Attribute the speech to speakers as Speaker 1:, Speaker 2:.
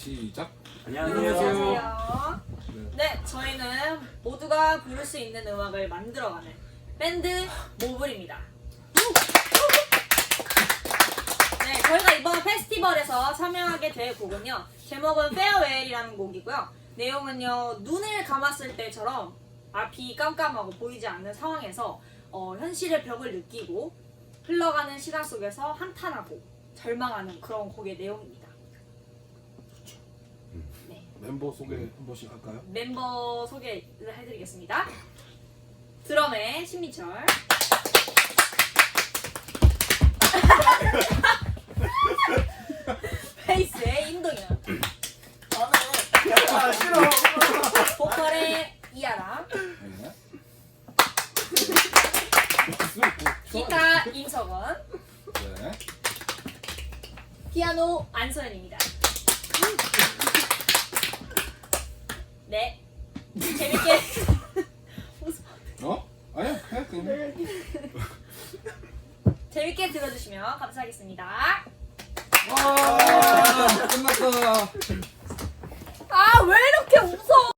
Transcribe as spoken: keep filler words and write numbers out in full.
Speaker 1: 시작.
Speaker 2: 안녕하세요. 네, 저희는 모두가 부를 수 있는 음악을 만들어가는 밴드 모블입니다. 네, 저희가 이번 페스티벌에서 참여하게 될 곡은요, 제목은 페어웨일이라는 곡이고요. 내용은요, 눈을 감았을 때처럼 앞이 깜깜하고 보이지 않는 상황에서 어, 현실의 벽을 느끼고 흘러가는 시간 속에서 한탄하고 절망하는 그런 곡의 내용입니다. 네.
Speaker 1: 멤버 소개 한 번씩 할까요?
Speaker 2: 멤버 소개를 해드리겠습니다. 드럼의 신민철, 베이스의 임동현,
Speaker 3: 아 싫어.
Speaker 2: 보컬의 이하람,
Speaker 1: 네.
Speaker 2: 기타 임석원,
Speaker 1: 네.
Speaker 2: 피아노 안소연입니다. 네, 재밌게
Speaker 1: 어? 아니야, 해 그냥.
Speaker 2: 재밌게 들어주시면 감사하겠습니다.
Speaker 1: 와, 끝났다.
Speaker 2: 아, 왜 이렇게 웃어?